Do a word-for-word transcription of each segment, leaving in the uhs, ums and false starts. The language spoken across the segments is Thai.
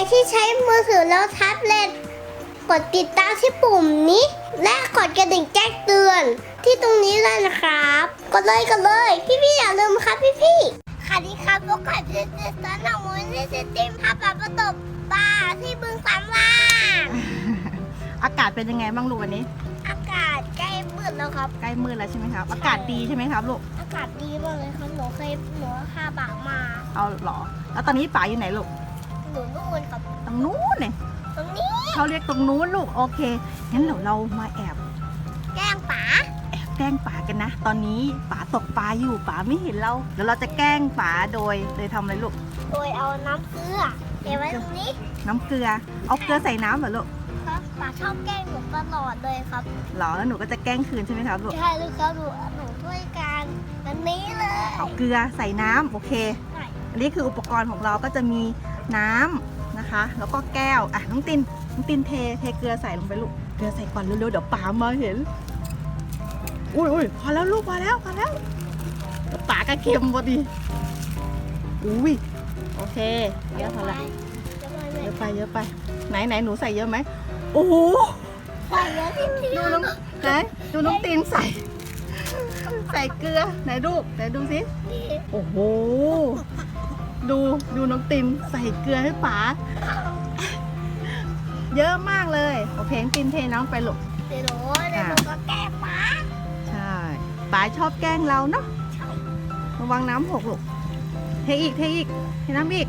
ที่ใช้มือถือแล้วแท็บเล็ตกดติดตามที่ปุ่มนี้และกดกระดิ่งแจ้งเตือนที่ตรงนี้เลยนะครับกดเลยกดเลยพี่ๆอย่าลืมครับพี่ๆค่ะดีครับพวกข้าจะจะสอนน้องมูลที่จะติมพาปลาประตบปลาที่บึงสามว่างอากาศเป็นยังไงบ้างลูกวันนี้อากาศใกล้มืดแล้วครับใกล้มืดแล้วใช่ไหมครับ อากาศดีใช่ไหมครับลูกอากาศดีมากเลยครับหนูเคยหนูพาปลามาเอาเหรอ แล้วตอนนี้ป๋าอยู่ไหนลูกหนูนู่นครับตรงนู้นเนี่ยตรงนี้เขาเรียกตรงนู้นลูกโอเคงั้นเดี๋ยวเรามาแอบแกล้งป๋าแอบแกล้งป๋ากันนะ ตอนนี้ป๋าตกปลาอยู่ป๋าไม่เห็นเราเดี๋ยวเราจะแกล้งป๋าโดยโดยทำอะไรลูกโดยเอาน้ำเกลือเทไว้ตรงนี้น้ำเกลือเอาเกลือใส่น้ำเหรอลูกครับป๋าชอบแกล้งหนูตลอดเลยครับเหรอแล้วหนูก็จะแกล้งคืนใช่ไหมครับลูกใช่เลยครับหนูหนูด้วยกันอันนี้เลยเอาเกลือใส่น้ำโอเคใช่อันนี้คืออุปกรณ์ของเราก็จะมีน้ำนะคะ แล้วก็แก้วอ่ะน้องตินน้องตินเทเทเกลือใส่ลงไปลูกเกลือใส่ก่อนเร็วๆเดี๋ยวป๋ามาเห็นอุ้ยอุ้ยพอแล้วลูกพอแล้วพอแล้วเดี๋ยวป๋าก็เค็มพอดีอุ้ยโอเคเยอะพอละเยอะไปเยอะไปไหนไหนหนูใส่เยอะไหมโอ้โหใส่เยอะที่ที่ดูน้องไหนดูน้องตินใส่ ใส่เกลือไหนดูไหนดูสิโอ้โหดูดูน้องตินใส่เกลือให้ป๋าเยอะมากเลยโอเคตินเทน้ำไปลูกเดี๋ยวหนูเดี๋ยวหนูก็แกล้งป๋าใช่ป๋าชอบแกล้งเราเนาะระวังน้ำหกลูกเทอีกเทอีกเทน้ำอีก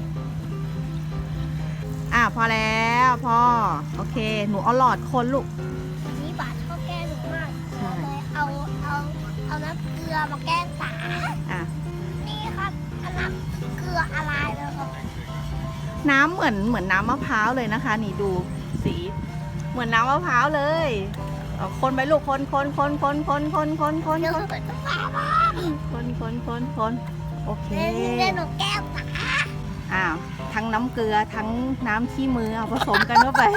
อ่ะพอแล้วพอโอเคหนูเอาหลอดคนลูกนี่ป๋าชอบแกล้งหนูมากใช่เลยเอาเอาเอาน้ำเกลือมาแกล้งป๋าอ่ะนี่ครับเอาน้ำเกลืออะไรเลยครับน้ำเหมือนเหมือนน้ำมะพร้าวเลยนะคะ นี่ดูสีเหมือนน้ำมะพร้าวเลยเอาคนไปลูกคนคนคนคนคนคนคนคนเดี๋ยวคหนูนไปต้องป๋าบ้างคนคนคนคนโอเคเดี๋ยวหนูแกล้งป๋าอ้าวทั้งน้ำเกลือทั้งน้ำขี้มือเอาผสมกันเข้าไป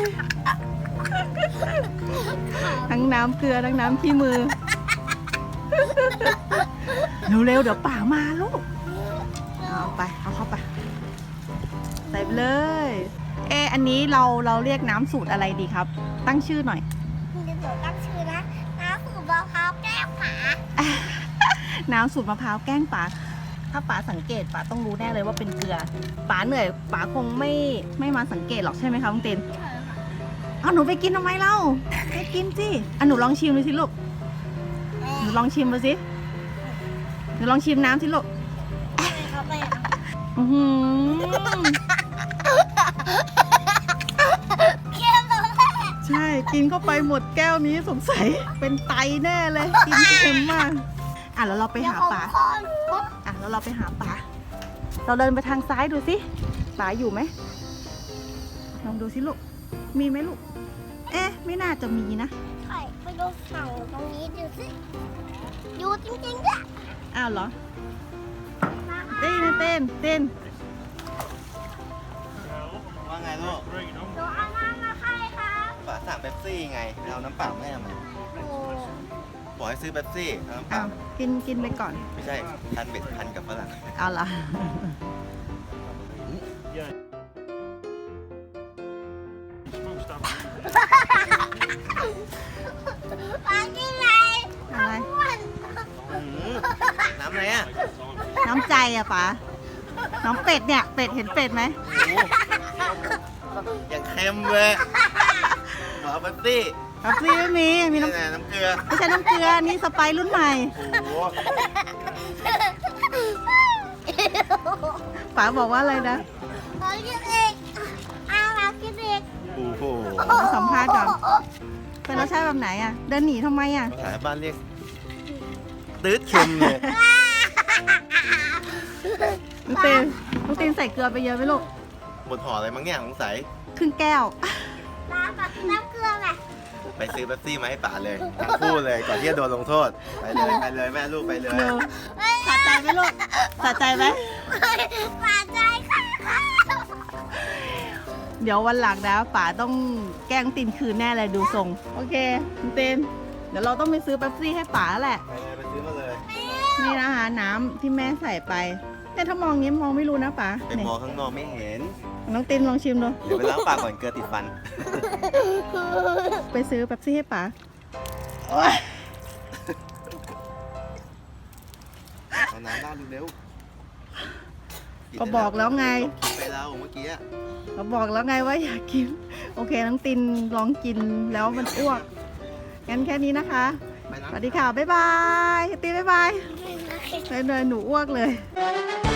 ทั้งน้ำเกลือทั้งน้ำขี้มือ เร็วๆเดี๋ยวป่ามาลูกเอาไปเอาเข้าไปใส่ไปเลยเอออันนี้เราเราเรียกน้ำสูตรอะไรดีครับ ตั้งชื่อหน่อยเดี๋ยวหนูตั้งชื่อนะน้ำสูบมะพร้าวแกล้งป๋าน้ำสูตรมะพร้าวแกล้งป๋าถ้าป๋าสังเกตป๋าต้องรู้แน่เลยว่าเป็นเกลือป๋าเหนื่อยป๋าคงไม่ไม่มาสังเกตหรอกใช่ไหมคะลุงเต็นเอาหนูไปกินทำไมเล่าไปกินสิอ่ะหนูลองชิมดูสิลูกหนูลองชิมดูสิหนูลองชิมน้ำสิลูกครับแม่อือหือเค็มเลยแม่ใช่กินเข้าไปหมดแก้วนี้สงสัยเป็นไตแน่เลยกินเค็มมากอ่ะแล้วเราไปหาป๋าเดี๋ยวผมขออ่ะแล้วเราไปหาป๋าเราเดินไปทางซ้ายดูสิป๋าอยู่ไหมลองดูสิลูกมีไหมลูกเอ๊ะไม่น่าจะมีนะไข่ไปดูฝั่งตรงนี้ดูสิอยู่จริงๆด้วยอ้าวเหรอเต้นนะเต้นเต้นว่าไงลูกหนูเอาน้ำมาให้ครับป๋าสั่งเป๊ปซี่ไงเอาน้ำเปล่าไม่เอามาโอ้บอกให้ซื้อเป๊ปซี่เอาน้ำเปอ้าล่าวกินกินไปก่อนไม่ใช่พันเบ็ดพันกับฝรั่งเอาเหรอปลาที่ไหนอะไรอ้วนอื้อหือน้ำอะไรอ่ะน้ำใจอะป๋าน้องเป็ดเนี่ยเป็ดเห็นเป็ดไหมโอ้โหอย่างเค็มเลยบอกเอาเป๊ปซี่น้ำซีไม่มีมีน้ำนี่ไงน้ำเกลือไม่ใช่น้ำเกลือนี่สไปร์รุ่นใหม่โอ้โหป๋าบอกว่าอะไรนะขอกินอีกเอามากินอีกโอ้โหมาสัมภาษณ์ก่อนเป็นรสชาติแบบไหนอะเดินหนีทำไมอะภาษาบ้านเรียกตืดเค็มเลยน้องตีนน้องตีนใส่เกลือไปเยอะไหมลูกหมดห่ออะไรมั้งเนี่ยสงสัยครึ่งแก้วน้ำกับน้ำเกลือไงไปซื้อเป๊ปซี่มาให้ป๋าเลยทั้งคู่เลยก่อนที่จะโดนลงโทษไปเลยไปเลยแม่ลูกไปเลยเร็วสะใจไหมลูกสะใจไหมปลาใจค่ะเดี๋ยววันหลังนะป๋าต้องแกล้งตีนคืนแน่เลยดูทรง โอเคน้องตีนเดี๋ยวเราต้องไปซื้อเป๊ปซี่ให้ป๋าแหละไปเลยไปซื้อมาเลยนี่นะคะน้ำที่แม่ใส่ไปแต่ถ้ามองงี้มองไม่รู้นะป๋าไปมองข้างนอกไม่เห็นน้องตินลองชิมดูเดี๋ยวไปล้างปากก่อนเกลือติดฟันไปซื้อเป๊ปซี่ให้ป๋าเอาน้ำราดเร็วๆก็บอกแล้วไงกินไปแล้วเมื่อกี้อะเราบอกแล้วไงว่าอยากกิน โอเคน้องตินลองกินแล้วมันอ้วก งั้นแค่นี้นะคะไปสล้างวัสดีค่ะ บ๊ายบายตินบ๊ายบายเลยหนูอ้วกเลยบ